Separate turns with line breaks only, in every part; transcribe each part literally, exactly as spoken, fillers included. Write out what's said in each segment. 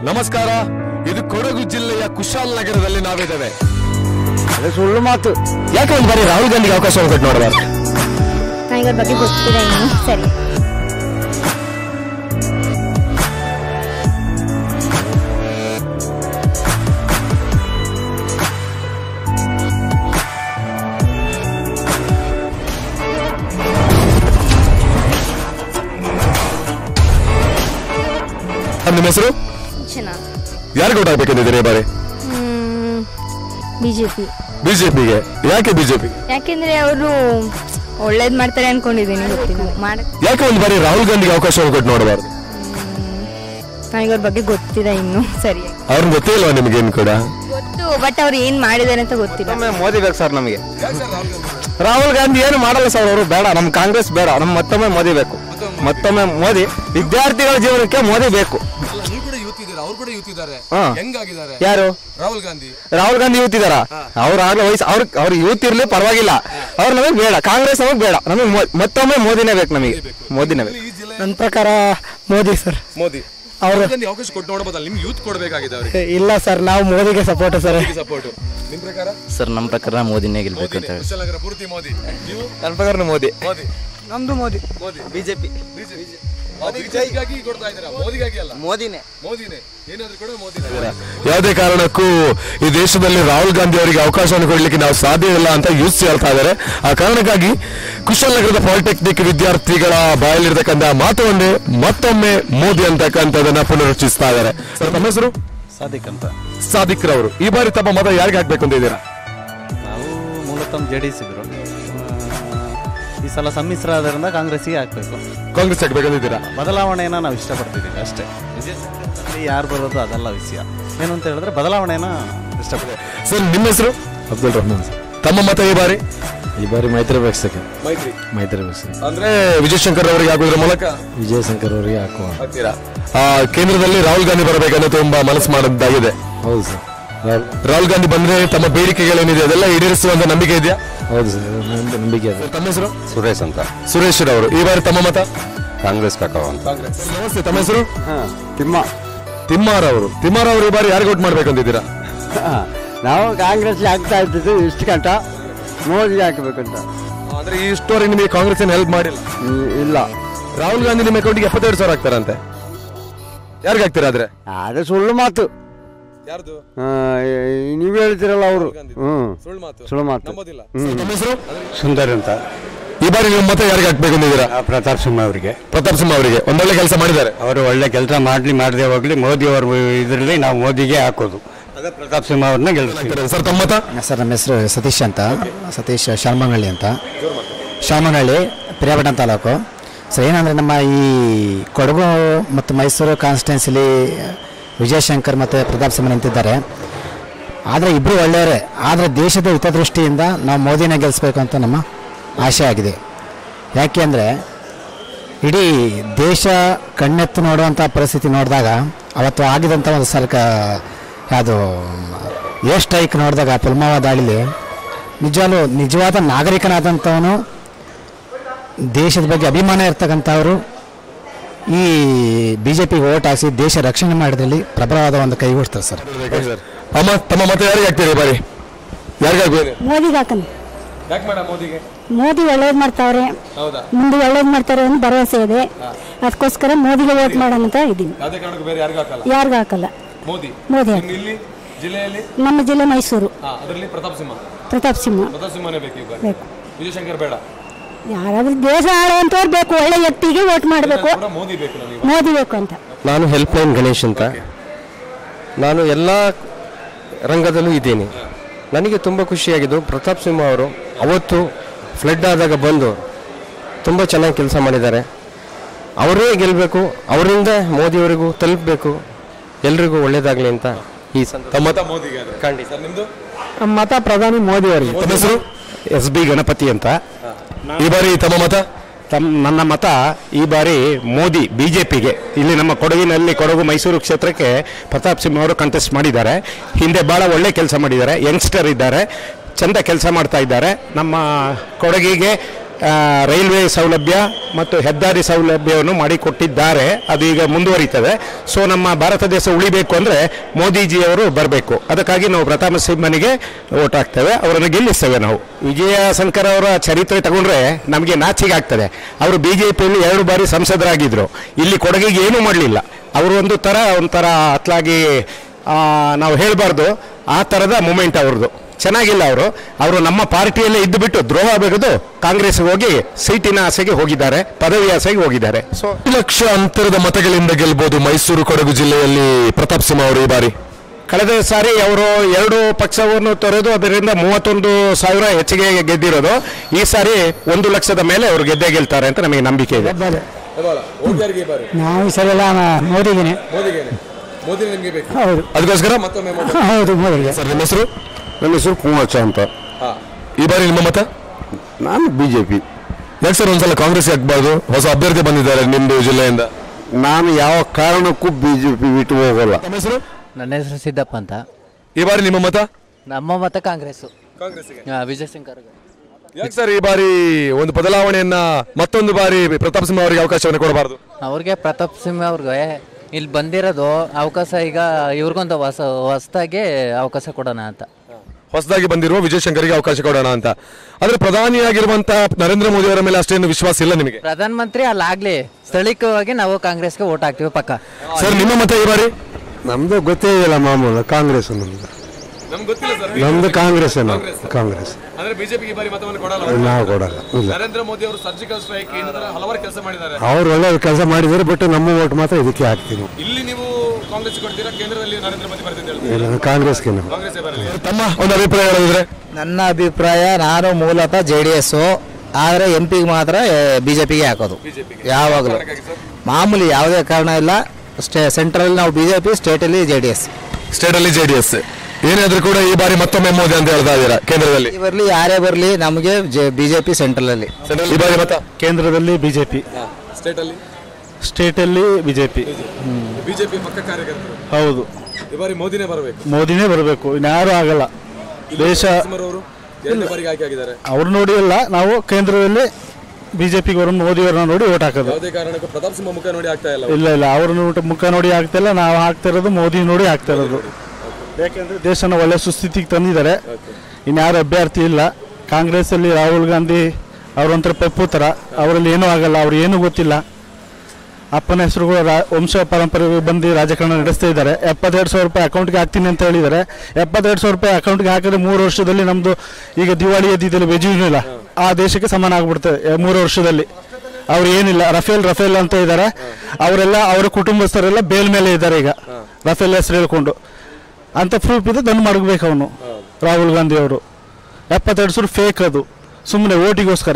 ನಮಸ್ಕಾರ. ಇದು ಕೊಡಗು ಜಿಲ್ಲೆಯ ಕುಶಾಲನಗರದಲ್ಲಿ ನಾವಿದ್ದೇವೆ.
ಸುಳ್ಳು ಮಾತು.
ಯಾಕೆ ಒಂದು ಬಾರಿ ರಾಹುಲ್ ಗಾಂಧಿಗೆ ಅವಕಾಶ ಕೊಟ್ಟು ನೋಡಬಾರ್ದು?
ನನಗೆ ಬಗ್ಗೆ ಗೊತ್ತಿಲ್ಲ ಇನ್ನು. ಸರಿ,
ನಿಮ್ಮ ಹೆಸರು? ಯಾರಿಗೆ ಓಟ್ ಹಾಕ್ಬೇಕಂತಿದ್ದೀರಿ ಈ ಬಾರಿ?
ಬಿಜೆಪಿ.
ಬಿಜೆಪಿಗೆ. ಯಾಕೆ ಬಿಜೆಪಿ?
ಯಾಕೆಂದ್ರೆ ಅವರು ಒಳ್ಳೇದ್ ಮಾಡ್ತಾರೆ ಅನ್ಕೊಂಡಿದ್ದೀನಿ, ಗೊತ್ತಿಲ್ಲ.
ಯಾಕೆ ಒಂದು ಬಾರಿ ರಾಹುಲ್ ಗಾಂಧಿಗೆ ಅವಕಾಶ ಕೊಟ್ಟು ನೋಡಬಾರ್ದು?
ನನಗೆ ಅವ್ರ ಬಗ್ಗೆ ಗೊತ್ತಿಲ್ಲ ಇನ್ನು ಸರಿ.
ಅವ್ರಿಗೆ ಗೊತ್ತೇ ಇಲ್ವಾ ನಿಮ್ಗೇನು ಕೂಡ?
ಗೊತ್ತು, ಬಟ್ ಅವ್ರು ಏನ್ ಮಾಡಿದಾರೆ ಅಂತ ಗೊತ್ತಿಲ್ಲ.
ಮೋದಿ ಬೇಕು ಸರ್ ನಮಗೆ. ರಾಹುಲ್ ಗಾಂಧಿ ಏನು ಮಾಡಲ್ಲ ಸರ್, ಅವರು ಬೇಡ. ನಮ್ ಕಾಂಗ್ರೆಸ್ ಬೇಡ, ನಮ್ ಮತ್ತೊಮ್ಮೆ ಮೋದಿ ಬೇಕು. ಮತ್ತೊಮ್ಮೆ ಮೋದಿ. ವಿದ್ಯಾರ್ಥಿಗಳ ಜೀವನಕ್ಕೆ ಮೋದಿ ಬೇಕು. ಯಾರು?
ರಾಹುಲ್ ಗಾಂಧಿ.
ರಾಹುಲ್ ಗಾಂಧಿ ಯೂತ್ ಇದಾರ? ಅವ್ರ ಆಗ್ಲೇ ವಯಸ್ಸು ಅವ್ರ ಅವ್ರ ಯೂತ್ ಇರ್ಲಿ ಪರವಾಗಿಲ್ಲ. ಅವ್ರು ನಮಗೆ ಬೇಡ, ಕಾಂಗ್ರೆಸ್ ನಮಗೆ ಬೇಡ. ನಮಗೆ ಮತ್ತೊಮ್ಮೆ ಮೋದಿನೇ ಬೇಕು, ನಮಗೆ ಮೋದಿನೇ ಬೇಕು. ನನ್ನ ಪ್ರಕಾರ ಮೋದಿ ಸರ್.
ಮೋದಿ
ಅವರು
ಅವಕಾಶ ಕೊಟ್ಟು ನೋಡಬಹುದಲ್ಲ, ನಿಮ್ಗೆ ಯೂತ್ ಕೊಡಬೇಕಾಗಿದೆ ಅವ್ರಿಗೆ.
ಇಲ್ಲ ಸರ್, ನಾವು ಮೋದಿಗೆ ಸಪೋರ್ಟ್ ಸರ್.
ಸಪೋರ್ಟ್ ನಿಮ್ ಪ್ರಕಾರ?
ಸರ್ ನಮ್ಮ ಪ್ರಕಾರ ಮೋದಿನೇ ಗೆಲ್ಬೇಕು ಅಂತ ಹೇಳಿ.
ಕುಶಾಲನಗರ ಪೂರ್ತಿ ಮೋದಿ. ನೀವು?
ನನ್ನ ಪ್ರಕಾರ ಮೋದಿ.
ಮೋದಿ.
ನಮ್ದು ಮೋದಿ.
ಮೋದಿ.
ಬಿಜೆಪಿ.
ಬಿಜೆಪಿಗಾಗಿ ಕೊಡ್ತಾ ಇದ್ದೀರಾ, ಮೋದಿಗಾಗಿ ಅಲ್ಲ?
ಮೋದಿನೇ.
ಮೋದಿನೇ. ಏನಾದ್ರೂ ಕೂಡ ಮೋದಿನೇ.
ಯಾವುದೇ ಕಾರಣಕ್ಕೂ ಈ ದೇಶದಲ್ಲಿ ರಾಹುಲ್ ಗಾಂಧಿ ಅವರಿಗೆ ಅವಕಾಶವನ್ನು ಕೊಡ್ಲಿಕ್ಕೆ ನಾವು ಸಾಧ್ಯ ಇಲ್ಲ ಅಂತ ಯೂಸ್ ಹೇಳ್ತಾ ಇದ್ದಾರೆ. ಆ ಕಾರಣಕ್ಕಾಗಿ ಕುಶಾಲನಗರದ ಪಾಲಿಟೆಕ್ನಿಕ್ ವಿದ್ಯಾರ್ಥಿಗಳ ಬಾಯಲ್ಲಿರ್ತಕ್ಕಂಥ ಮಾತು ಒಂದೇ, ಮತ್ತೊಮ್ಮೆ ಮೋದಿ ಅಂತಕ್ಕಂಥದನ್ನ ಪುನರುಚ್ಚರಿಸ್ತಾ ಇದ್ದಾರೆ. ಸರ್, ತಮ್ಮ ಹೆಸರು?
ಸಾದಿಕ್ ಅಂತ.
ಸಾದಿಕ್ ರವರು, ಈ ಬಾರಿ ತಮ್ಮ ಮತ ಯಾರಿಗೆ ಹಾಕ್ಬೇಕು ಅಂತ ಇದ್ದೀರಾ?
ನಾವು ಮೂಲತಃ ಜೆ ಡಿ ಎಸ್ ಇದ್ರು, ಈ ಸಲ ಸಮ್ಮಿಶ್ರ ಆದ್ರಿಂದ ಕಾಂಗ್ರೆಸ್ಗೆ ಹಾಕ್ಬೇಕು.
ಕಾಂಗ್ರೆಸ್ ಹಾಕ್ಬೇಕಂತಿದ್ದೀರಾ?
ಬದಲಾವಣೆಯನ್ನ ನಾವು ಇಷ್ಟಪಡ್ತಿದ್ದೀವಿ ಅಷ್ಟೇ. ಯಾರು ಬರೋದು ಅದಲ್ಲ ವಿಷಯ. ಏನು ಅಂತ ಹೇಳಿದ್ರೆ ಬದಲಾವಣೆನ ಇಷ್ಟಪಡ್ತೀವಿ.
ಸರ್, ನಿಮ್ಮ ಹೆಸರು?
ಅಬ್ದುಲ್ ರಹಮಾನ್.
ತಮ್ಮ ಮತ ಈ ಬಾರಿ?
ಈ ಬಾರಿ ಮೈತ್ರಿ ಪಕ್ಷಕ್ಕೆ.
ಮೈತ್ರಿ.
ಮೈತ್ರಿ ಪಕ್ಷಕ್ಕೆ
ಅಂದ್ರೆ ವಿಜಯಶಂಕರ್ ಅವರಿಗೆ ಹಾಕೋದ್ರ ಮೂಲಕ
ವಿಜಯಶಂಕರ್ ಅವರಿಗೆ ಹಾಕುವ.
ಹಾಕ್ತೀರಾ? ಕೇಂದ್ರದಲ್ಲಿ ರಾಹುಲ್ ಗಾಂಧಿ ಬರಬೇಕನ್ನೋ ತುಂಬಾ ಮನಸ್ಸು ಮಾಡಿದ್ದಾಗಿದೆ.
ಹೌದು ಸರ್.
ರಾಹುಲ್ ಗಾಂಧಿ ಬಂದ್ರೆ ತಮ್ಮ ಬೇಡಿಕೆಗಳೇನಿದೆ ಅದೆಲ್ಲ ಈಡೇರಿಸುವಂತ ನಂಬಿಕೆ ಇದೆಯಾ?
ಹೌದು ಸರ್, ನಂಬಿಕೆ ಇದೆ.
ತಮ್ಮ ಹೆಸರು?
ಸುರೇಶ್ ಅಂತ.
ಸುರೇಶ್ ಅವರು, ಈ ಬಾರಿ ತಮ್ಮ ಮತ?
ಕಾಂಗ್ರೆಸ್ ಕಾಕವ ಅಂತ.
ನಮಸ್ತೆ, ತಮ್ಮ ಹೆಸರು?
ತಿಮ್ಮ.
ತಿಮ್ಮಾರ್ ಅವರು. ತಿಮ್ಮಾರ್ ಅವರು ಈ ಬಾರಿ ಯಾರಿಗೆ ವೋಟ್ ಮಾಡ್ಬೇಕಂತಿದ್ದೀರಾ?
ನಾವು ಕಾಂಗ್ರೆಸ್ ಆಗ್ತಾ ಇದ್ದಿದ್ದು ಇಷ್ಟು ಗಂಟ ಮೋದಿಗೆ ಹಾಕಬೇಕಂತ.
ಅಂದ್ರೆ ಈ ಸ್ಟೋರಿ ನಿಮಗೆ ಕಾಂಗ್ರೆಸ್ ಏನು ಹೆಲ್ಪ್ ಮಾಡಿಲ್ಲ?
ಇಲ್ಲ.
ರಾಹುಲ್ ಗಾಂಧಿ ನಿಮ್ಮ ಅಕೌಂಟ್ಗೆ ಎಪ್ಪತ್ತೆರಡು ಸಾವಿರ ಹಾಕ್ತಾರಂತೆ. ಯಾರಿಗೆ ಹಾಕ್ತೀರಾ? ಆದ್ರೆ
ಅದೇ ಸುಳ್ಳು ಮಾತು.
ಯಾರ್ದು?
ನೀವು ಹೇಳ್ತೀರಲ್ಲ ಅವರು. ಹ್ಮ್,
ಸುಳ್ಳು ಮಾತು.
ಸುಳ್ಳು ಮಾತು.
ನಂಬೋದಿಲ್ಲ.
ತಮ್ಮ ಹೆಸರು?
ಸುಂದರ್ ಅಂತ.
ಈ ಬಾರಿ ನಿಮ್ಮ ಮತ ಯಾರಿಗೆ ಹಾಕ್ಬೇಕು ಅಂತಿದ್ದೀರಾ?
ಪ್ರತಾಪ್ ಸಿಂಹ ಅವರಿಗೆ.
ಪ್ರತಾಪ್ ಸಿಂಹ ಅವರಿಗೆ. ಒಂದೊಳ್ಳೆ ಕೆಲಸ ಮಾಡಿದ್ದಾರೆ.
ಅವರು ಒಳ್ಳೆ ಕೆಲಸ ಮಾಡ್ಲಿ ಮಾಡದೆ ಹೋಗ್ಲಿ, ಮೋದಿ ಅವರು ಇದರಲ್ಲಿ ನಾವು ಮೋದಿಗೆ ಹಾಕೋದು. ಅದೇ ಪ್ರತಾಪ್ ಸಿಂಹ ಅವ್ರನ್ನ ಗೆಲ್ತೀವಿ.
ಸರ್, ತಮ್ಮ ಮತ?
ಸರ್, ನಮ್ಮ ಹೆಸರು ಸತೀಶ್ ಅಂತ. ಸತೀಶ್ ಶಾಮನಹಳ್ಳಿ ಅಂತ. ಶಾಮನಹಳ್ಳಿ ಪಿರಿಯಾಪಟ್ಟಣ ತಾಲೂಕು. ಸರ್, ಏನಂದರೆ ನಮ್ಮ ಈ ಕೊಡಗು ಮತ್ತು ಮೈಸೂರು ಕಾನ್ಸ್ಟಿಟ್ಯೂನ್ಸಿಲಿ ವಿಜಯಶಂಕರ್ ಮತ್ತು ಪ್ರತಾಪ್ ಸಿಂಹ ನಿಂತಿದ್ದಾರೆ. ಆದರೆ ಇಬ್ಬರು ಒಳ್ಳೆಯವರೇ. ಆದರೆ ದೇಶದ ಹಿತದೃಷ್ಟಿಯಿಂದ ನಾವು ಮೋದಿನ ಗೆಲ್ಲಿಸ್ಬೇಕು ಅಂತ ನಮ್ಮ ಆಶೆ ಆಗಿದೆ. ಯಾಕೆ ಅಂದರೆ ಇಡೀ ದೇಶ ಕಣ್ಣೆತ್ತು ನೋಡುವಂಥ ಪರಿಸ್ಥಿತಿ ನೋಡಿದಾಗ, ಅವತ್ತು ಆಗಿದಂಥ ಒಂದು ಸರ್ಕ ಅದು ಏರ್ ಸ್ಟ್ರೈಕ್ ನೋಡಿದಾಗ ಪುಲ್ವಾಮಾ ದಾಳಿಲಿ ನಿಜವಾಗ್ಲೂ ನಿಜವಾದ ನಾಗರಿಕನಾದಂಥವನು, ದೇಶದ ಬಗ್ಗೆ ಅಭಿಮಾನ ಇರ್ತಕ್ಕಂಥವರು ಈ ಬಿ ಜೆ ಪಿಗೆ ಓಟ್ ಹಾಕಿಸಿ ದೇಶ ರಕ್ಷಣೆ ಮಾಡೋದ್ರಲ್ಲಿ ಪ್ರಬಲವಾದ ಒಂದು ಕೈ ಓಡ್ತಾರೆ ಸರ್.
ಅಮ್ಮ, ತಮ್ಮ ಮತ ಯಾರಿಗೆ ಹಾಕ್ತೀರಿ ಬಾರಿ? ಯಾರಿಗೆ ಹಾಕ್ಬೇಕು?
ಮೋದಿಗೆ ಹಾಕನ್.
ಯಾಕೆ ಮೇಡಮ್ ಮೋದಿಗೆ?
ಮೋದಿ ಒಳ್ಳೇದು ಮಾಡ್ತಾವ್ರೆ, ಮುಂದೆ ಒಳ್ಳೇದು ಮಾಡ್ತಾರೆ ಅನ್ನೋ ಭರವಸೆ ಇದೆ. ಅದಕ್ಕೋಸ್ಕರ ಮೋದಿಗೆ ವೋಟ್ ಮಾಡೋಣ ಅಂತ ಇದ್ದೀನಿ.
ಯಾವುದೇ ಕಾರಣಕ್ಕೂ ಬೇರೆ ಯಾರಿಗೂ ಹಾಕಲ್ಲ?
ಯಾರಿಗೂ ಹಾಕಲ್ಲ.
ಮೋದಿ.
ಮೋದಿ.
ಇಲ್ಲಿ ಜಿಲ್ಲೆಯಲ್ಲಿ?
ನಮ್ಮ ಜಿಲ್ಲೆ ಮೈಸೂರು.
ಅದರಲ್ಲಿ ಪ್ರತಾಪ್ ಸಿಂಹ.
ಪ್ರತಾಪ್ ಸಿಂಹ.
ಪ್ರತಾಪ್ ಸಿಂಹನೇ ಬೇಕು.
ಬೇಕು.
ವಿಜಯಶಂಕರ್ ಬೇಡ.
ಯಾರಾದ್ರೂ ದೇಶ ಆಳುವಂತವ್ರು ಬೇಕು, ಒಳ್ಳೆ ವ್ಯಕ್ತಿಗೆ ವೋಟ್ ಮಾಡಬೇಕು.
ಮೋದಿ ಬೇಕು ನನಗೆ.
ಮೋದಿ ಬೇಕು ಅಂತ.
ನಾನು ಹೆಲ್ಪ್ ಲೈನ್ ಗಣೇಶ್ ಅಂತ. ನಾನು ಎಲ್ಲ ರಂಗದಲ್ಲೂ ಇದ್ದೀನಿ. ನನಗೆ ತುಂಬ ಖುಷಿಯಾಗಿದ್ದು ಪ್ರತಾಪ್ ಸಿಂಹ ಅವರು ಅವತ್ತು ಫ್ಲಡ್ ಆದಾಗ ಬಂದು ತುಂಬ ಚೆನ್ನಾಗಿ ಕೆಲಸ ಮಾಡಿದ್ದಾರೆ. ಅವರೇ ಗೆಲ್ಲಬೇಕು, ಅವರಿಂದ ಮೋದಿಯವರಿಗೂ ತಲುಪಬೇಕು, ಎಲ್ರಿಗೂ ಒಳ್ಳೇದಾಗಲಿ ಅಂತ ಈ
ತಮ್ಮ ಮತ ಮೋದಿಗೆ. ಖಂಡಿತ. ನಿಮ್ದು?
ನಮ್ಮ ಮತ ಪ್ರಧಾನಿ ಮೋದಿ ಅವರಿಗೆ.
ತಮ್ಮ ಹೆಸರು?
ಎಸ್ ಬಿ ಗಣಪತಿ ಅಂತ.
ಈ ಬಾರಿ ತಮ್ಮ ಮತ?
ತಮ್ಮ ನನ್ನ ಮತ ಈ ಬಾರಿ ಮೋದಿ, ಬಿಜೆಪಿಗೆ. ಇಲ್ಲಿ ನಮ್ಮ ಕೊಡಗಿನಲ್ಲಿ ಕೊಡಗು ಮೈಸೂರು ಕ್ಷೇತ್ರಕ್ಕೆ ಪ್ರತಾಪ್ ಸಿಂಹ ಅವರು ಕಂಟೆಸ್ಟ್ ಮಾಡಿದ್ದಾರೆ. ಹಿಂದೆ ಭಾಳ ಒಳ್ಳೆ ಕೆಲಸ ಮಾಡಿದ್ದಾರೆ. ಯಂಗ್ಸ್ಟರ್ ಇದ್ದಾರೆ, ಚಂದ ಕೆಲಸ ಮಾಡ್ತಾ ಇದ್ದಾರೆ. ನಮ್ಮ ಕೊಡಗಿಗೆ ರೈಲ್ವೆ ಸೌಲಭ್ಯ ಮತ್ತು ಹೆದ್ದಾರಿ ಸೌಲಭ್ಯವನ್ನು ಮಾಡಿಕೊಟ್ಟಿದ್ದಾರೆ. ಅದು ಈಗ ಮುಂದುವರಿತದೆ. ಸೊ ನಮ್ಮ ಭಾರತ ದೇಶ ಉಳಿಬೇಕು ಅಂದರೆ ಮೋದಿಜಿಯವರು ಬರಬೇಕು. ಅದಕ್ಕಾಗಿ ನಾವು ಪ್ರತಾಪ್ ಸಿಂಹನಿಗೆ ಓಟ್ ಹಾಕ್ತೇವೆ, ಅವರನ್ನು ಗೆಲ್ಲಿಸ್ತೇವೆ ನಾವು. ವಿಜಯ ಶಂಕರ್ ಅವರ ಚರಿತ್ರೆ ತಗೊಂಡ್ರೆ ನಮಗೆ ನಾಚಿಗೆ ಆಗ್ತದೆ. ಅವರು ಬಿ ಜೆ ಪಿಯಲ್ಲಿ ಎರಡು ಬಾರಿ ಸಂಸದರಾಗಿದ್ದರು. ಇಲ್ಲಿ ಕೊಡಗಿಗೆ ಏನೂ ಮಾಡಲಿಲ್ಲ. ಅವರು ಒಂದು ಥರ ಒಂಥರ ಅತ್ಲಾಗಿ ನಾವು ಹೇಳಬಾರ್ದು, ಆ ಥರದ ಮೂಮೆಂಟ್ ಅವ್ರದ್ದು ಚೆನ್ನಾಗಿಲ್ಲ. ಅವರು ಅವರು ನಮ್ಮ ಪಾರ್ಟಿಯಲ್ಲೇ ಇದ್ದು ಬಿಟ್ಟು ದ್ರೋಹ ಬೆಳೆದು ಕಾಂಗ್ರೆಸ್ಗೆ ಹೋಗಿ ಸೀಟಿನ ಆಸೆಗೆ ಹೋಗಿದ್ದಾರೆ, ಪದವಿ ಆಸೆಗೆ ಹೋಗಿದ್ದಾರೆ. ಸೊ
ಲಕ್ಷ ಅಂತರದ ಮತಗಳಿಂದ ಗೆಲ್ಬಹುದು ಮೈಸೂರು ಕೊಡಗು ಜಿಲ್ಲೆಯಲ್ಲಿ ಪ್ರತಾಪ್ ಸಿಂಹ ಅವರು ಈ ಬಾರಿ.
ಕಳೆದ ಸಾರಿ ಅವರು ಎರಡು ಪಕ್ಷವನ್ನು ತೊರೆದು ಅದರಿಂದ ಮೂವತ್ತೊಂದು ಸಾವಿರ ಹೆಚ್ಚಿಗೆ ಗೆದ್ದಿರೋದು. ಈ ಸಾರಿ ಒಂದು ಲಕ್ಷದ ಮೇಲೆ ಅವರು ಗೆದ್ದೇ ಗೆಲ್ತಾರೆ ಅಂತ ನಮಗೆ ನಂಬಿಕೆ ಇದೆ.
ನಾವು ಸರಿ ಎಲ್ಲ ಮೋದಿಗೆ
ಮೋದಿ ನಿಮಗೆ ಬೇಕು.
ಹೌದು,
ಅದಕ್ಕೋಸ್ಕರ
ಮತ್ತೊಮ್ಮೆ
ಹೌದು ಮೋದಿಗೆ.
ಸರ್ ನಿಮ್ಮ ಹೆಸರು?
ನನ್ನ ಹೆಸರು ಪೂರ್ಣಚ ಅಂತ.
ಈ ಬಾರಿ ನಿಮ್ಮ ಮತ?
ನಾನು ಬಿ ಜೆ ಪಿ.
ಯಾಕೆ ಸರ್ ಒಂದ್ಸಲ ಕಾಂಗ್ರೆಸ್ ಹಾಕ್ಬಾರ್ದು? ಹೊಸ ಅಭ್ಯರ್ಥಿ ಬಂದಿದ್ದಾರೆ ನಿಮ್ದು ಜಿಲ್ಲೆಯಿಂದ.
ನಾನು ಯಾವ ಕಾರಣಕ್ಕೂ ಬಿ ಜೆ ಪಿ ಬಿಟ್ಟು ಹೋಗಲ್ಲ.
ನಮ್ಮ ಹೆಸರು?
ನನ್ನ ಹೆಸರು ಸಿದ್ದಪ್ಪ ಅಂತ.
ಈ ಬಾರಿ ನಿಮ್ಮ ಮತ?
ನಮ್ಮ ಮತ ಕಾಂಗ್ರೆಸ್.
ಕಾಂಗ್ರೆಸ್ಗೆ
ವಿಜಯ್ ಶಂಕರ್.
ಯಾಕೆ ಸರ್ ಈ ಬಾರಿ ಒಂದು ಬದಲಾವಣೆಯನ್ನ ಮತ್ತೊಂದು ಬಾರಿ ಪ್ರತಾಪ್ ಸಿಂಹ ಅವರಿಗೆ ಅವಕಾಶವನ್ನು ಕೊಡಬಾರದು?
ಅವ್ರಿಗೆ ಪ್ರತಾಪ್ ಸಿಂಹ ಅವ್ರಿಗೆ ಇಲ್ಲಿ ಬಂದಿರೋದು ಅವಕಾಶ, ಈಗ ಇವ್ರಿಗೊಂದು ಹೊಸ ಹೊಸದಾಗಿ ಅವಕಾಶ ಕೊಡೋಣ ಅಂತ.
ಹೊಸದಾಗಿ ಬಂದಿರುವ ವಿಜಯ್ ಶಂಕರ್ಗೆ ಅವಕಾಶ ಕೊಡೋಣ ಅಂತ. ಆದ್ರೆ ಪ್ರಧಾನಿಯಾಗಿರುವಂತಹ ನರೇಂದ್ರ ಮೋದಿ ಅವರ ಮೇಲೆ ಅಷ್ಟೇನು ವಿಶ್ವಾಸ ಇಲ್ಲ ನಿಮಗೆ?
ಪ್ರಧಾನ ಮಂತ್ರಿ ಅಲ್ಲಾಗ್ಲಿ ಸ್ಥಳೀಯವಾಗಿ ನಾವು ಕಾಂಗ್ರೆಸ್ಗೆ ಓಟ್ ಹಾಕ್ತೀವಿ ಪಕ್ಕ.
ಸರ್ ನಿಮ್ಮ ಮತ ಈ ಬಾರಿ?
ನಮ್ದು ಗೊತ್ತೇ ಇಲ್ಲ ಮಾಮೂಲು, ಕಾಂಗ್ರೆಸ್ ನಮ್ದು.
ನಮ್ಗೆ ಗೊತ್ತಿಲ್ಲ ಸರ್.
ನಮ್ದು ಕಾಂಗ್ರೆಸ್ ಕಾಂಗ್ರೆಸ್.
ಅಂದ್ರೆ ಬಿಜೆಪಿಗೆ ಬಾರಿ ಮತವನ್ನು ಕೊಡಲ್ಲ.
ನಾವು ಕೊಡಲ್ಲ.
ನರೇಂದ್ರ ಮೋದಿ ಅವರು ಸರ್ಜಿಕಲ್ ಸ್ಟ್ರೈಕ್ ಹಲವಾರು ಕೆಲಸ ಮಾಡಿದ್ದಾರೆ.
ಅವ್ರು ಒಳ್ಳೆ ಕೆಲಸ ಮಾಡಿದ್ದಾರೆ, ಬಟ್ ನಮ್ಮ ಓಟ್ ಮಾತ್ರ ಇದಕ್ಕೆ ಹಾಕ್ತೀವಿ.
ಇಲ್ಲಿ ನೀವು ಕಾಂಗ್ರೆಸ್ ಕೊಡ್ತೀರಾ, ಕೇಂದ್ರದಲ್ಲಿ ನರೇಂದ್ರ ಮೋದಿ ಬರ್ತಿದ್ದಾರೆ
ಕಾಂಗ್ರೆಸ್ಗೆ ನಾವು.
ಕಾಂಗ್ರೆಸ್ ಬರಲಿ.
ತಮ್ಮ ಒಂದು ಅಭಿಪ್ರಾಯ ಹೇಳಿದ್ರೆ?
ನನ್ನ ಅಭಿಪ್ರಾಯ, ನಾನು ಮೂಲತಃ ಜೆ ಡಿ ಎಸ್, ಆದರೆ ಎಂ ಪಿಗೆ ಮಾತ್ರ ಬಿ ಜೆ ಪಿಗೆ ಹಾಕೋದು ಯಾವಾಗಲೂ. ಮಾಮೂಲಿ ಯಾವುದೇ ಕಾರಣ ಇಲ್ಲ. ಸ್ಟೇ ಸೆಂಟ್ರಲ್ಲಿ ನಾವು ಬಿ ಜೆ ಪಿ, ಸ್ಟೇಟಲ್ಲಿ ಜೆ ಡಿ ಎಸ್.
ಸ್ಟೇಟಲ್ಲಿ ಜೆ ಡಿ ಎಸ್. ಏನಾದ್ರೂ ಕೂಡ ಈ ಬಾರಿ ಮತ್ತೊಮ್ಮೆ ಮೋದಿ ಅಂತ ಹೇಳ್ತಾ ಇದ್ದೀರಾ ಕೇಂದ್ರದಲ್ಲಿ?
ಬರಲಿ, ಯಾರೇ ಬರಲಿ, ನಮಗೆ ಬಿಜೆಪಿ ಸೆಂಟ್ರಲ್.
ಈ ಬಾರಿ ಮತ
ಕೇಂದ್ರದಲ್ಲಿ ಬಿಜೆಪಿ,
ಸ್ಟೇಟ್ ಅಲ್ಲಿ
ಸ್ಟೇಟ್ ಅಲ್ಲಿ ಬಿಜೆಪಿ.
ಬಿಜೆಪಿ ಪಕ್ಕ ಕಾರ್ಯಕರ್ತರು.
ಹೌದು,
ಈ ಬಾರಿ ಮೋದಿನೇ ಬರಬೇಕು.
ಮೋದಿನೇ ಬರಬೇಕು, ಇನ್ಯಾರು ಆಗಲ್ಲ. ದೇಶ
ಅವರು ಎರಡನೇ ಬಾರಿಗೆ ಆಯ್ಕೆ ಆಗಿದ್ದಾರೆ.
ಅವ್ರು ನೋಡಿ ಅಲ್ಲ, ನಾವು ಕೇಂದ್ರದಲ್ಲಿ ಬಿಜೆಪಿಗೆ ಅವ್ರನ್ನ ಮೋದಿ ಅವ್ರನ್ನ ನೋಡಿ ಓಟ್ ಹಾಕೋದು.
ಯಾವುದೇ ಕಾರಣಕ್ಕೂ ಪ್ರತಾಪ್ ಸಿಂಹ ಮುಖ ನೋಡಿ ಆಗ್ತಾ ಇಲ್ಲ.
ಇಲ್ಲ ಇಲ್ಲ, ಅವ್ರನ್ನ ಮುಖ ನೋಡಿ ಆಗ್ತಾ ಇಲ್ಲ, ನಾವು ಹಾಕ್ತಾ ಇರೋದು ಮೋದಿ ನೋಡಿ ಆಗ್ತಾ ಇರೋದು. ಯಾಕೆಂದ್ರೆ ದೇಶನ ಒಳ್ಳೆ ಸುಸ್ಥಿತಿಗೆ ತಂದಿದ್ದಾರೆ. ಇನ್ಯಾರು ಅಭ್ಯರ್ಥಿ ಇಲ್ಲ. ಕಾಂಗ್ರೆಸ್ ಅಲ್ಲಿ ರಾಹುಲ್ ಗಾಂಧಿ ಅವರೊಂಥರ ಪಪ್ಪು ಥರ, ಅವರಲ್ಲಿ ಏನೂ ಆಗಲ್ಲ, ಅವ್ರು ಏನೂ ಗೊತ್ತಿಲ್ಲ. ಅಪ್ಪನ ಹೆಸರುಗಳು ವಂಶ ಪರಂಪರೆ ಬಂದು ರಾಜಕಾರಣ ನಡೆಸ್ತಾ ಇದ್ದಾರೆ. ಎಪ್ಪತ್ತೆರಡು ಸಾವಿರ ರೂಪಾಯಿ ಅಕೌಂಟ್ಗೆ ಹಾಕ್ತೀನಿ ಅಂತ ಹೇಳಿದ್ದಾರೆ. ಎಪ್ಪತ್ತೆರಡು ಸಾವಿರ ರೂಪಾಯಿ ಅಕೌಂಟ್ಗೆ ಹಾಕಿದ್ರೆ ಮೂರು ವರ್ಷದಲ್ಲಿ ನಮ್ಮದು ಈಗ ದಿವಾಳಿ ಎದ್ದಿದ್ದಲ್ಲಿ ವೆಜ್ಯೂನು ಇಲ್ಲ, ಆ ದೇಶಕ್ಕೆ ಸಮಾನ ಆಗ್ಬಿಡ್ತದೆ ಮೂರು ವರ್ಷದಲ್ಲಿ. ಅವ್ರು ಏನಿಲ್ಲ, ರಫೇಲ್ ರಫೇಲ್ ಅಂತ ಇದ್ದಾರೆ. ಅವರೆಲ್ಲ ಅವರ ಕುಟುಂಬಸ್ಥರೆಲ್ಲ ಬೇಲ್ ಮೇಲೆ ಇದ್ದಾರೆ ಈಗ, ರಫೇಲ್ ಹೆಸರು ಹೇಳ್ಕೊಂಡು. ಅಂತ ಪ್ರೂಫ್ ಇದೆ, ದನ್ ಮಾಡಬೇಕು ಅವನು ರಾಹುಲ್ ಗಾಂಧಿ ಅವರು. ಎಪ್ಪತ್ತೆರಡು ಸಾವಿರ ಫೇಕ್, ಅದು ಸುಮ್ಮನೆ ಓಟಿಗೋಸ್ಕರ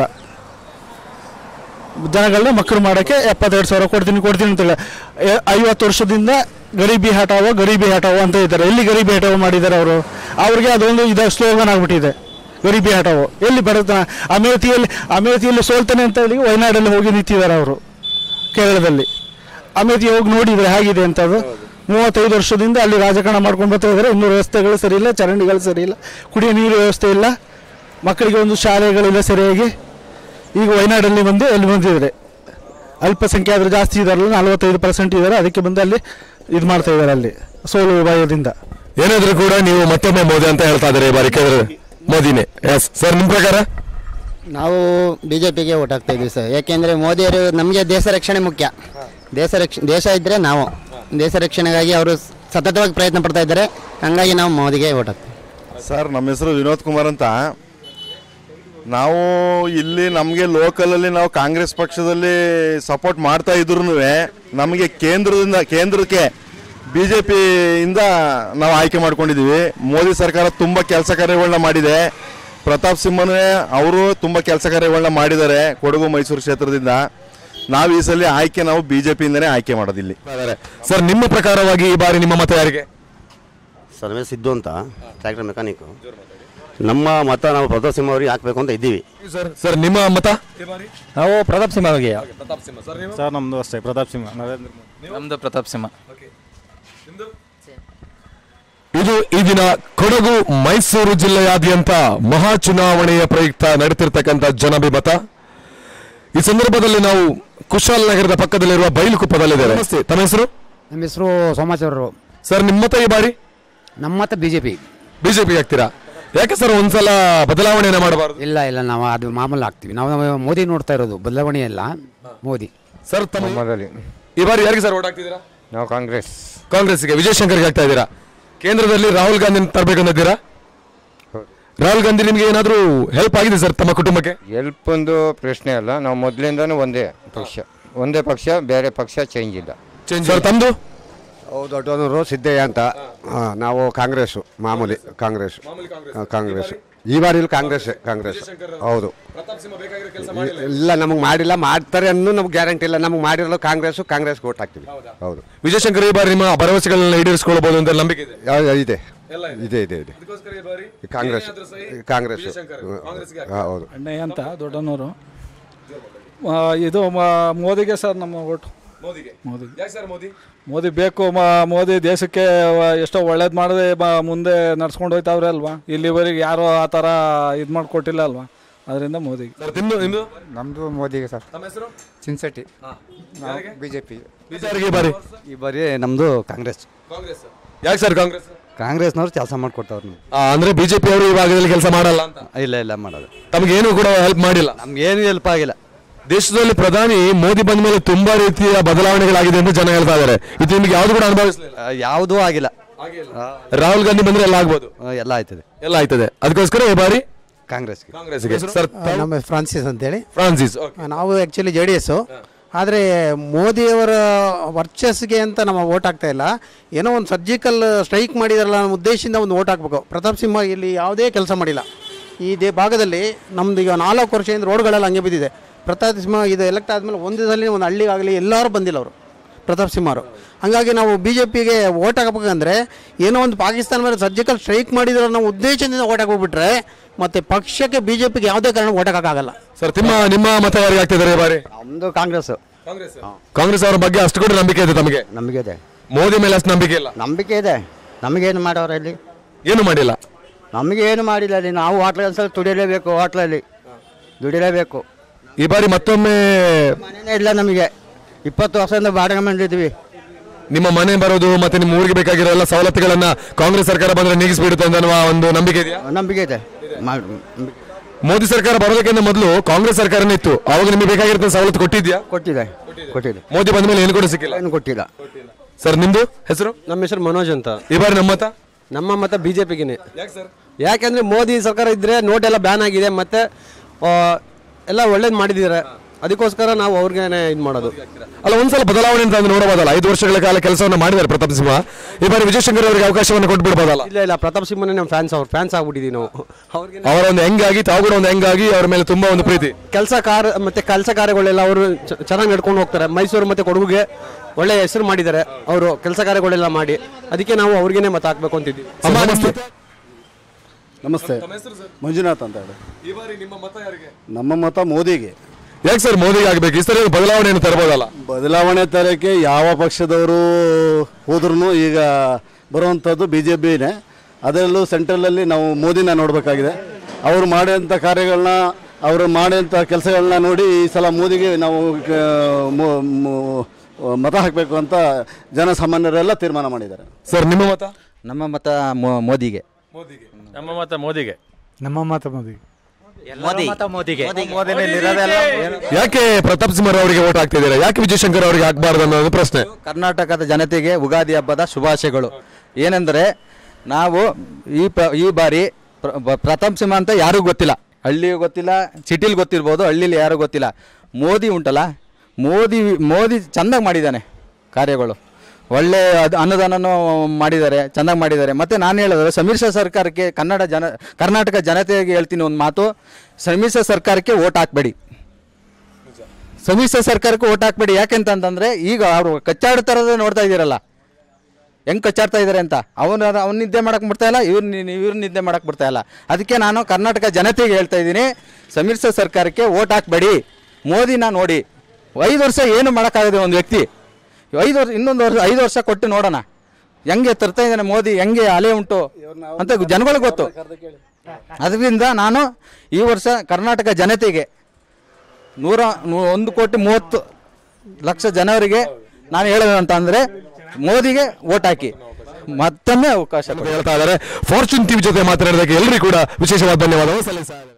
ಜನಗಳನ್ನ ಮಕ್ಕಳು ಮಾಡೋಕ್ಕೆ ಎಪ್ಪತ್ತೆರಡು ಸಾವಿರ ಕೊಡ್ತೀನಿ ಕೊಡ್ತೀನಿ ಅಂತೇಳಿ. ಐವತ್ತು ವರ್ಷದಿಂದ ಗರೀಬಿ ಹಟಾವೋ ಗರೀಬಿ ಹಟಾವೋ ಅಂತ ಇದ್ದಾರೆ. ಎಲ್ಲಿ ಗರೀಬಿ ಹಟಾವೋ ಮಾಡಿದ್ದಾರೆ ಅವರು? ಅವ್ರಿಗೆ ಅದೊಂದು ಇದು ಸ್ಲೋಗನ್ ಆಗ್ಬಿಟ್ಟಿದೆ, ಗರೀಬಿ ಹಟಾವೋ. ಎಲ್ಲಿ ಬರುತ್ತೆ? ಅಮೇಥಿಯಲ್ಲಿ ಅಮೇಥಿಯಲ್ಲಿ ಸೋಲ್ತಾನೆ ಅಂತ ಹೇಳಿ ವಯನಾಡಲ್ಲಿ ಹೋಗಿ ನಿಂತಿದ್ದಾರೆ ಅವರು, ಕೇರಳದಲ್ಲಿ. ಅಮೇಥಿ ಹೋಗಿ ನೋಡಿದರೆ ಹೇಗಿದೆ ಅಂತ. ಅದು ಮೂವತ್ತೈದು ವರ್ಷದಿಂದ ಅಲ್ಲಿ ರಾಜಕಾರಣ ಮಾಡ್ಕೊಂಡು ಬರ್ತಾ ಇದ್ದಾರೆ. ಇನ್ನೂ ವ್ಯವಸ್ಥೆಗಳು ಸರಿ ಇಲ್ಲ, ಚರಂಡಿಗಳು ಸರಿ ಇಲ್ಲ, ಕುಡಿಯೋ ನೀರು ವ್ಯವಸ್ಥೆ ಇಲ್ಲ, ಮಕ್ಕಳಿಗೆ ಒಂದು ಶಾಲೆಗಳಿಲ್ಲ ಸರಿಯಾಗಿ. ಈಗ ವಯನಾಡಲ್ಲಿ ಬಂದು ಅಲ್ಲಿ ಬಂದಿದ್ದಾರೆ. ಅಲ್ಪಸಂಖ್ಯಾತರು ಜಾಸ್ತಿ ಇದಾರಲ್ಲ, ನಲವತ್ತೈದು ಪರ್ಸೆಂಟ್ ಇದ್ದಾರೆ, ಅದಕ್ಕೆ ಬಂದು ಅಲ್ಲಿ ಇದು ಮಾಡ್ತಾ ಇದ್ದಾರೆ ಅಲ್ಲಿ ಸೋಲು ವಿಭಾಗದಿಂದ.
ಏನಾದರೂ ಕೂಡ ನೀವು ಮತ್ತೊಮ್ಮೆ ಮೋದಿ ಅಂತ ಹೇಳ್ತಾ ಇದ್ದಾರೆ ಈ ಬಾರಿ ಕೇಂದ್ರ ಮೋದಿನೇ. ಎಸ್ ಸರ್, ನಿಮ್ಮ ಪ್ರಕಾರ?
ನಾವು ಬಿ ಜೆ ಪಿಗೆ ಓಟ್ ಹಾಕ್ತಾ ಇದ್ದೀವಿ ಸರ್. ಯಾಕೆಂದರೆ ಮೋದಿಯವರು ನಮಗೆ ದೇಶ ರಕ್ಷಣೆ ಮುಖ್ಯ. ದೇಶ ರಕ್ಷ ದೇಶ ಇದ್ದರೆ ನಾವು ದೇಶ ರಕ್ಷಣೆಗಾಗಿ ಅವರು ಸತತವಾಗಿ ಪ್ರಯತ್ನ ಪಡ್ತಾ ಇದ್ದಾರೆ. ಹಂಗಾಗಿ ನಾವು ಮೋದಿಗೆ ಓಟ್ ಹಾಕ್ತೀವಿ
ಸರ್. ನಮ್ಮ ಹೆಸರು ವಿನೋದ್ ಕುಮಾರ್ ಅಂತ. ನಾವು ಇಲ್ಲಿ ನಮಗೆ ಲೋಕಲಲ್ಲಿ ನಾವು ಕಾಂಗ್ರೆಸ್ ಪಕ್ಷದಲ್ಲಿ ಸಪೋರ್ಟ್ ಮಾಡ್ತಾ ಇದ್ರೂ ನಮಗೆ ಕೇಂದ್ರದಿಂದ ಕೇಂದ್ರಕ್ಕೆ ಬಿ ಜೆ ಪಿಯಿಂದ ನಾವು ಆಯ್ಕೆ ಮಾಡ್ಕೊಂಡಿದ್ದೀವಿ. ಮೋದಿ ಸರ್ಕಾರ ತುಂಬ ಕೆಲಸ ಕಾರ್ಯಗಳನ್ನ ಮಾಡಿದೆ. ಪ್ರತಾಪ್ ಸಿಂಹನೇ ಅವರು ತುಂಬ ಕೆಲಸ ಕಾರ್ಯಗಳನ್ನ ಮಾಡಿದ್ದಾರೆ ಕೊಡಗು ಮೈಸೂರು ಕ್ಷೇತ್ರದಿಂದ. ನಾವು ಈ ಸಲ ಆಯ್ಕೆ ನಾವು ಬಿ ಜೆ ಪಿಯಿಂದನೇ ಆಯ್ಕೆ ಮಾಡೋದಿಲ್ಲಿ.
ಸರ್, ನಿಮ್ಮ ಪ್ರಕಾರವಾಗಿ ಈ ಬಾರಿ ನಿಮ್ಮ ಮತ ಯಾರಿಗೆ?
ಸರ್, ನಮಗೆ ಸಿದ್ದು ಅಂತ, ಟ್ರ್ಯಾಕ್ಟರ್ ಮೆಕ್ಯಾನಿಕ್ಕು. ನಮ್ಮ ಮತ ನಾವು ಪ್ರತಾಪ್ ಸಿಂಹ ಅವರಿಗೆ ಹಾಕಬೇಕು ಅಂತ ಇದ್ದೀವಿ.
ಸರ್ ಸರ್ ನಿಮ್ಮ ಮತ?
ನಾವು ಪ್ರತಾಪ್ ಸಿಂಹ ಅವರಿಗೆ.
ಸರ್, ನಮ್ಮದು ಅಷ್ಟೇ ಪ್ರತಾಪ್ ಸಿಂಹ. ನರೇಂದ್ರ ಮೋದಿ.
ನಮ್ಮದು ಪ್ರತಾಪ್ ಸಿಂಹ.
ಇದು ಈ ದಿನ ಕೊಡಗು ಮೈಸೂರು ಜಿಲ್ಲೆಯಾದ್ಯಂತ ಮಹಾ ಚುನಾವಣೆಯ ಪ್ರಯುಕ್ತ ನಡೆತಿರ್ತಕ್ಕಂಥ ಜನಭಿಮತ. ಈ ಸಂದರ್ಭದಲ್ಲಿ ನಾವು ಕುಶಾಲನಗರದ ಪಕ್ಕದಲ್ಲಿರುವ ಬೈಲುಕುಪ್ಪದಲ್ಲಿದ್ದೇವೆ. ನಮಸ್ತೆ, ತಮ್ಮ ಹೆಸರು?
ನಮ್ಮ ಹೆಸರು ಸೋಮಾಚಾರ್ಯರು.
ಸರ್, ನಿಮ್ಮ ಮತ ಈ ಬಾರಿ?
ನಮ್ಮ ಮತ ಬಿಜೆಪಿ.
ಬಿಜೆಪಿ ಆಗ್ತೀರಾ? ಯಾಕೆ ಸರ್ ಒಂದ್ಸಲ ಬದಲಾವಣೆಯನ್ನು ಮಾಡಬಾರ್ದು?
ಇಲ್ಲ ಇಲ್ಲ, ನಾವು ಅದು ಮಾಮೂಲು ಆಗ್ತೀವಿ. ನಾವು ಮೋದಿ ನೋಡ್ತಾ ಇರೋದು, ಬದಲಾವಣೆ ಎಲ್ಲ ಮೋದಿ.
ಸರ್, ತಮ್ಮ ಈ ಬಾರಿ ಯಾರಿಗೆ ಸರ್ ಓಟ್ ಹಾಕ್ತಿದ್ದೀರಾ?
ನಾವು ಕಾಂಗ್ರೆಸ್.
ಕಾಂಗ್ರೆಸ್ಗೆ, ವಿಜಯಶಂಕರ್ಗೆ ಆಗ್ತಾ ಇದ್ದೀರಾ? ಕೇಂದ್ರದಲ್ಲಿ ರಾಹುಲ್ ಗಾಂಧಿ ತರಬೇಕಂದಿದ್ದೀರಾ? ರಾಹುಲ್ ಗಾಂಧಿ ನಿಮಗೆ ಏನಾದರೂ ಹೆಲ್ಪ್ ಆಗಿದೆ ಸರ್ ತಮ್ಮ ಕುಟುಂಬಕ್ಕೆ?
ಹೆಲ್ಪ್ ಒಂದು ಪ್ರಶ್ನೆ ಅಲ್ಲ, ನಾವು ಮೊದಲಿಂದನೂ ಒಂದೇ ಪಕ್ಷ, ಒಂದೇ ಪಕ್ಷ, ಬೇರೆ ಪಕ್ಷ ಚೇಂಜ್ ಇಲ್ಲ.
ಸರ್, ತಮ್ಮದು?
ಹೌದು, ದೊಡ್ಡವರು ಸಿದ್ದಯ್ಯ ಅಂತ. ನಾವು ಕಾಂಗ್ರೆಸ್ಸು, ಮಾಮೂಲಿ ಕಾಂಗ್ರೆಸ್. ಕಾಂಗ್ರೆಸ್ ಈ ಬಾರಿ ಇಲ್ಲಿ ಕಾಂಗ್ರೆಸ್ ಕಾಂಗ್ರೆಸ್ ಹೌದು. ಇಲ್ಲ, ನಮಗೆ ಮಾಡಿಲ್ಲ, ಮಾಡ್ತಾರೆ ಅನ್ನೋ ನಮ್ಗೆ ಗ್ಯಾರಂಟಿ ಇಲ್ಲ. ನಮ್ಗೆ ಮಾಡಿರಲ್ಲ ಕಾಂಗ್ರೆಸ್, ಕಾಂಗ್ರೆಸ್ಗೆ ಓಟ್ ಹಾಕ್ತೀವಿ. ಹೌದು.
ವಿಜಯಶಂಕರ್ ಈ ಬಾರಿ ನಿಮ್ಮ ಭರವಸೆಗಳನ್ನ ಈಡೇರಿಸಿಕೊಳ್ಳಬಹುದು ಅಂತ ನಂಬಿಕೆ ಇದೆ?
ಇದೆ ಇದೆ ಇದೆ ಇದೆ ಕಾಂಗ್ರೆಸ್ ಕಾಂಗ್ರೆಸ್ ಹೌದು.
ಅಣ್ಣಯ್ಯ ಅಂತ ದೊಡ್ಡನವರು. ಇದು ಮೋದಿಗೆ ಸರ್ ನಮ್ಮ ಓಟು. ಮೋದಿ ಮೋದಿ ಬೇಕು. ಮೋದಿ ದೇಶಕ್ಕೆ ಎಷ್ಟೋ ಒಳ್ಳೇದು ಮಾಡದೆ ಮುಂದೆ ನಡ್ಸ್ಕೊಂಡು ಹೋಯ್ತಾವ್ರೆ ಅಲ್ವಾ? ಇಲ್ಲಿವರೆಗೆ ಯಾರು ಆ ಥರ ಇದು ಮಾಡಿಕೊಟ್ಟಿಲ್ಲ ಅಲ್ವಾ? ಅದರಿಂದ ಮೋದಿಗೆ.
ನಮ್ಮದು ಮೋದಿಗೆ ಸರ್. ಚಿನ್ಸೆಟ್ಟಿ. ಬಿಜೆಪಿ.
ಈ ಬಾರಿ ನಮ್ಮದು ಕಾಂಗ್ರೆಸ್.
ಯಾಕೆ ಸರ್ ಕಾಂಗ್ರೆಸ್?
ಕಾಂಗ್ರೆಸ್ನವ್ರು ಕೆಲಸ ಮಾಡಿಕೊಡ್ತಾವ್ರು.
ಅಂದ್ರೆ ಬಿಜೆಪಿ ಅವರು ಈ ಭಾಗದಲ್ಲಿ ಕೆಲಸ ಮಾಡಲ್ಲ ಅಂತ?
ಇಲ್ಲ ಇಲ್ಲ, ಮಾಡೋದು.
ತಮಗೇನು ಕೂಡ ಹೆಲ್ಪ್ ಮಾಡಿಲ್ಲ?
ನಮ್ಗೇನು ಹೆಲ್ಪ್ ಆಗಿಲ್ಲ.
ದೇಶದಲ್ಲಿ ಪ್ರಧಾನಿ ಮೋದಿ ಬಂದ ಮೇಲೆ ತುಂಬಾ ರೀತಿಯ ಬದಲಾವಣೆಗಳಾಗಿದೆ ಅಂತ ಜನ ಹೇಳ್ತಾ ಇದ್ದಾರೆ. ಇದು ನಿಮ್ಗೆ ಯಾವ್ದು ಕೂಡ ಅನುಭವಿಸಲಿಲ್ಲ?
ಯಾವುದೂ ಆಗಿಲ್ಲ.
ರಾಹುಲ್ ಗಾಂಧಿ ಬಂದ್ರೆ ಎಲ್ಲ ಆಗ್ಬೋದು?
ಎಲ್ಲ ಆಯ್ತದೆ,
ಎಲ್ಲ ಆಯ್ತದೆ. ಅದಕ್ಕೋಸ್ಕರ ಈ ಬಾರಿ
ಕಾಂಗ್ರೆಸ್ಗೆ.
ಕಾಂಗ್ರೆಸ್ಗೆ. ಸರ್,
ನಮ್ಮ ಫ್ರಾನ್ಸಿಸ್ ಅಂತೇಳಿ.
ಫ್ರಾನ್ಸಿಸ್,
ನಾವು ಆ್ಯಕ್ಚುಲಿ ಜೆ ಡಿ ಎಸ್ಸು. ಆದರೆ ಮೋದಿಯವರ ವರ್ಚಸ್ಗೆ ಅಂತ ನಮ್ಮ ಓಟ್ ಆಗ್ತಾ ಇಲ್ಲ. ಏನೋ ಒಂದು ಸರ್ಜಿಕಲ್ ಸ್ಟ್ರೈಕ್ ಮಾಡಿದಾರಲ್ಲ ಅನ್ನೋ ಉದ್ದೇಶದಿಂದ ಒಂದು ಓಟ್ ಹಾಕಬೇಕು. ಪ್ರತಾಪ್ ಸಿಂಹ ಇಲ್ಲಿ ಯಾವುದೇ ಕೆಲಸ ಮಾಡಿಲ್ಲ ಈ ದೇ ಭಾಗದಲ್ಲಿ. ನಮ್ದು ಈಗ ನಾಲ್ಕು ವರ್ಷದಿಂದ ರೋಡ್ಗಳೆಲ್ಲ ಹಂಗೆ ಬಿದ್ದಿದೆ. ಪ್ರತಾಪ್ ಸಿಂಹ ಇದು ಎಲೆಕ್ಟ್ ಆದಮೇಲೆ ಒಂದು ದಿನದಲ್ಲಿ ಒಂದು ಹಳ್ಳಿಗಾಗಲಿ ಎಲ್ಲರೂ ಬಂದಿಲ್ಲ ಅವರು, ಪ್ರತಾಪ್ ಸಿಂಹ ಅವರು. ಹಾಗಾಗಿ ನಾವು ಬಿ ಜೆ ಪಿಗೆ ಓಟ್ ಹಾಕಬೇಕಂದ್ರೆ ಏನೋ ಒಂದು ಪಾಕಿಸ್ತಾನ ಮೇಲೆ ಸರ್ಜಿಕಲ್ ಸ್ಟ್ರೈಕ್ ಮಾಡಿದ್ರೆ ನಾವು ಉದ್ದೇಶದಿಂದ ಓಟ್ ಹಾಕೋಗ್ಬಿಟ್ರೆ ಮತ್ತೆ ಪಕ್ಷಕ್ಕೆ ಬಿ ಜೆ ಪಿಗೆ ಯಾವುದೇ ಕಾರಣ ಓಟ್ ಹಾಕೋಕ್ಕಾಗಲ್ಲ.
ಸರ್, ನಿಮ್ಮ ನಿಮ್ಮ ಮತ ಯಾರಿಗೆ ಆಗ್ತಿದ್ದಾರೆ ಈ ಬಾರಿ?
ನಮ್ಮದು ಕಾಂಗ್ರೆಸ್.
ಕಾಂಗ್ರೆಸ್ ಅವರ ಬಗ್ಗೆ ಅಷ್ಟು ಕೂಡ ನಂಬಿಕೆ ಇದೆ ತಮಗೆ?
ನಂಬಿಕೆ ಇದೆ.
ಮೋದಿ ಮೇಲೆ ಅಷ್ಟು ನಂಬಿಕೆ ಇಲ್ಲ?
ನಂಬಿಕೆ ಇದೆ. ನಮಗೇನು ಮಾಡೋರು ಇಲ್ಲಿ?
ಏನು ಮಾಡಿಲ್ಲ.
ನಮಗೆ ಏನು ಮಾಡಿಲ್ಲ ಅಲ್ಲಿ. ನಾವು ಹೋಟ್ಲಲ್ಲಿ ಒಂದ್ಸಲ ದುಡಿಯಲೇಬೇಕು, ಹೋಟ್ಲಲ್ಲಿ ದುಡಿಯಲೇಬೇಕು.
ಈ ಬಾರಿ ಮತ್ತೊಮ್ಮೆ
ಮನೆಯೇ ಇಲ್ಲ ನಮಗೆ. ಇಪ್ಪತ್ತು ವರ್ಷದಿಂದ ಬಾಡಿಗೆ ಮಾಡಿದ್ವಿ.
ನಿಮ್ಮ ಮನೆ ಬರೋದು ಮತ್ತೆ ನಿಮ್ಮ ಊರಿಗೆ ಬೇಕಾಗಿರೋ ಎಲ್ಲ ಸವಲತ್ತುಗಳನ್ನ ಕಾಂಗ್ರೆಸ್ ಸರ್ಕಾರ ಬಂದ್ರೆ ನೀಗಿಸ್ಬಿಡುತ್ತೆ ಅನ್ನುವ ಒಂದು ನಂಬಿಕೆ ಇದೆಯಾ?
ನಂಬಿಕೆ ಇದೆ.
ಮೋದಿ ಸರ್ಕಾರ ಬರೋದಕ್ಕಿಂತ ಮೊದಲು ಕಾಂಗ್ರೆಸ್ ಸರ್ಕಾರನೇ ಇತ್ತು, ಅವಾಗ ನಿಮಗೆ ಬೇಕಾಗಿರೋ ಸವಲತ್ತು ಕೊಟ್ಟಿದ್ಯಾ?
ಕೊಟ್ಟಿದೆ ಕೊಟ್ಟಿದೆ.
ಮೋದಿ ಬಂದ ಮೇಲೆ ಏನು ಕೂಡ ಸಿಕ್ಕಿಲ್ಲ?
ಏನು ಕೊಟ್ಟಿಲ್ಲ.
ಸರ್, ನಿಮ್ದು ಹೆಸರು?
ನಮ್ಮ ಹೆಸರು ಮನೋಜ್ ಅಂತ.
ಈ ಬಾರಿ ನಮ್ಮ ಮತ?
ನಮ್ಮ ಮತ ಬಿಜೆಪಿಗೆ. ಯಾಕೆಂದ್ರೆ ಮೋದಿ ಸರ್ಕಾರ ಇದ್ರೆ ನೋಟ್ ಎಲ್ಲ ಬ್ಯಾನ್ ಆಗಿದೆ, ಮತ್ತೆ ಎಲ್ಲ ಒಳ್ಳೇದು ಮಾಡಿದ್ದಾರೆ. ಅದಕ್ಕೋಸ್ಕರ ನಾವು ಅವ್ರಿಗೆ ಇದು ಮಾಡೋದು.
ಅಲ್ಲ, ಒಂದ್ಸಲ ಬದಲಾವಣೆ ಅಂತ ನೋಡಬಹುದಲ್ಲ? ಐದು ವರ್ಷಗಳ ಕಾಲ ಕೆಲಸವನ್ನು ಮಾಡಿದ್ದಾರೆ ಪ್ರತಾಪ್ ಸಿಂಹ. ಈ ಬಾರಿ ವಿಜಯಶಂಕರ್ ಅವರಿಗೆ ಅವಕಾಶವನ್ನು ಕೊಟ್ಬಿಡ್ಬೋದಲ್ಲ?
ಇಲ್ಲ ಇಲ್ಲ, ಪ್ರತಾಪ್ ಸಿಂಹನೇ ನಮ್ಮ ಫ್ಯಾನ್ಸ್. ಅವ್ರ ಫ್ಯಾನ್ಸ್ ಆಗ್ಬಿಟ್ಟಿದ್ದೀವಿ ನಾವು. ಅವ್ರಿಗೆ
ಅವರ ಒಂದು ಹೆಂಗಾಗಿ ತಾವು ಕೂಡ ಒಂದು ಹೆಂಗಾಗಿ ಅವ್ರ ಮೇಲೆ ತುಂಬಾ ಒಂದು ಪ್ರೀತಿ.
ಕೆಲಸ ಕಾರ್ಯ ಮತ್ತೆ ಕೆಲಸ ಕಾರ್ಯಗಳೆಲ್ಲ ಅವರು ಚೆನ್ನಾಗಿ ನಡ್ಕೊಂಡು ಹೋಗ್ತಾರೆ. ಮೈಸೂರು ಮತ್ತೆ ಕೊಡಗುಗೆ ಒಳ್ಳೆ ಹೆಸರು ಮಾಡಿದ್ದಾರೆ ಅವರು, ಕೆಲಸ ಕಾರ್ಯಗಳೆಲ್ಲ ಮಾಡಿ. ಅದಕ್ಕೆ ನಾವು ಅವ್ರಿಗೇನೆ ಮತ ಹಾಕ್ಬೇಕು ಅಂತಿದ್ದೀವಿ.
ನಮಸ್ತೆ, ಮಂಜುನಾಥ್ ಅಂತ ಹೇಳಿ.
ಈ ಬಾರಿ ನಿಮ್ಮ ಮತ ಯಾರಿಗೆ?
ನಮ್ಮ ಮತ ಮೋದಿಗೆ.
ಯಾಕೆ ಸರ್ ಮೋದಿಗೆ ಆಗಬೇಕು? ಈ ಸರಿ ಬದಲಾವಣೆಯನ್ನು ತರಬಹುದಲ್ಲ?
ಬದಲಾವಣೆ ತರಕ್ಕೆ ಯಾವ ಪಕ್ಷದವರು ಹೋದ್ರೂ ಈಗ ಬರುವಂಥದ್ದು ಬಿ ಜೆ ಪಿನೇ. ಅದರಲ್ಲೂ ಸೆಂಟ್ರಲಲ್ಲಿ ನಾವು ಮೋದಿನ ನೋಡಬೇಕಾಗಿದೆ. ಅವರು ಮಾಡೋಂಥ ಕಾರ್ಯಗಳನ್ನ, ಅವರು ಮಾಡೋಂಥ ಕೆಲಸಗಳನ್ನ ನೋಡಿ ಈ ಸಲ ಮೋದಿಗೆ ನಾವು ಮತ ಹಾಕಬೇಕು ಅಂತ ಜನಸಾಮಾನ್ಯರೆಲ್ಲ ತೀರ್ಮಾನ ಮಾಡಿದ್ದಾರೆ.
ಸರ್, ನಿಮ್ಮ ಮತ?
ನಮ್ಮ ಮತ ಮೋದಿಗೆ.
ನಮ್ಮ ಮತ ಮೋದಿಗೆ.
ನಮ್ಮ ಮತ ಮೋದಿಗೆ.
ಯಾಕೆ ಪ್ರತಾಪ್ ಸಿಂಹ ಅವರಿಗೆ ಓಟ್ ಹಾಕ್ತಿದ್ದೀರಾ? ಯಾಕೆ ವಿಜಯಶಂಕರ್ ಅವರಿಗೆ ಹಾಕಬಾರ್ದು ಅನ್ನೋದು ಪ್ರಶ್ನೆ.
ಕರ್ನಾಟಕದ ಜನತೆಗೆ ಉಗಾದಿ ಹಬ್ಬದ ಶುಭಾಶಯಗಳು. ಏನೆಂದರೆ ನಾವು ಈ ಪ್ರ ಈ ಬಾರಿ ಪ್ರತಾಪ್ ಸಿಂಹ ಅಂತ ಯಾರಿಗೂ ಗೊತ್ತಿಲ್ಲ, ಹಳ್ಳಿಗೂ ಗೊತ್ತಿಲ್ಲ, ಸಿಟಿಲಿ ಗೊತ್ತಿರ್ಬೋದು, ಹಳ್ಳಿಲಿ ಯಾರಿಗೂ ಗೊತ್ತಿಲ್ಲ. ಮೋದಿ ಉಂಟಲ್ಲ, ಮೋದಿ ಮೋದಿ ಚೆಂದಾಗಿ ಮಾಡಿದ್ದಾನೆ ಕಾರ್ಯಗಳು. ಒಳ್ಳೆ ಅದು ಅನುದಾನನೂ ಮಾಡಿದ್ದಾರೆ, ಚೆನ್ನಾಗಿ ಮಾಡಿದ್ದಾರೆ. ಮತ್ತು ನಾನು ಹೇಳಿದ್ರೆ ಸಮ್ಮಿಶ್ರ ಸರ್ಕಾರಕ್ಕೆ ಕನ್ನಡ ಜನ ಕರ್ನಾಟಕ ಜನತೆಗೆ ಹೇಳ್ತೀನಿ ಒಂದು ಮಾತು, ಸಮ್ಮಿಶ್ರ ಸರ್ಕಾರಕ್ಕೆ ಓಟ್ ಹಾಕಬೇಡಿ. ಸಮ್ಮಿಶ್ರ ಸರ್ಕಾರಕ್ಕೆ ಓಟ್ ಹಾಕಬೇಡಿ. ಯಾಕೆಂತಂದರೆ ಈಗ ಅವರು ಕಚ್ಚಾಡ್ತಾರದೇ ನೋಡ್ತಾ ಇದ್ದೀರಲ್ಲ, ಹೆಂಗೆ ಕಚ್ಚಾಡ್ತಾ ಇದ್ದಾರೆ ಅಂತ. ಅವನು ಅವ್ನು ನಿದ್ದೆ ಮಾಡೋಕ್ಕೆ ಬಿಡ್ತಾ ಇಲ್ಲ, ಇವ್ರು ಇವ್ರು ನಿದ್ದೆ ಮಾಡೋಕ್ಕೆ ಬಿಡ್ತಾ ಇಲ್ಲ. ಅದಕ್ಕೆ ನಾನು ಕರ್ನಾಟಕ ಜನತೆಗೆ ಹೇಳ್ತಾ ಇದ್ದೀನಿ, ಸಮ್ಮಿಶ್ರ ಸರ್ಕಾರಕ್ಕೆ ಓಟ್ ಹಾಕಬೇಡಿ. ಮೋದಿನ ನೋಡಿ, ಐದು ವರ್ಷ ಏನು ಮಾಡೋಕ್ಕಾಗದೆ ಒಂದು ವ್ಯಕ್ತಿ. ಐದು ವರ್ಷ ಇನ್ನೊಂದು ವರ್ಷ ಐದು ವರ್ಷ ಕೊಟ್ಟು ನೋಡೋಣ ಹೆಂಗೆ ತರ್ತಾ ಇದ್ದಾನೆ ಮೋದಿ, ಹೆಂಗೆ ಅಲೆ ಉಂಟು ಅಂತ ಜನಗಳಿಗೆ ಗೊತ್ತು. ಅದರಿಂದ ನಾನು ಈ ವರ್ಷ ಕರ್ನಾಟಕ ಜನತೆಗೆ ನೂರ ನೂ- ಒಂದು ಕೋಟಿ ಮೂವತ್ತು ಲಕ್ಷ ಜನರಿಗೆ ನಾನು ಹೇಳೋದು ಅಂತ ಅಂದರೆ ಮೋದಿಗೆ ವೋಟ್ ಹಾಕಿ ಮತ್ತೊಮ್ಮೆ ಅವಕಾಶ
ಹೇಳ್ತಾ ಇದ್ದಾರೆ. ಫಾರ್ಚೂನ್ ಟಿವಿ ಜೊತೆ ಮಾತನಾಡಿದಕ್ಕೆ ಎಲ್ಲರಿಗೂ ಕೂಡ ವಿಶೇಷವಾದ ಧನ್ಯವಾದಗಳು ಸಲ್ಲಿಸ್ತಾ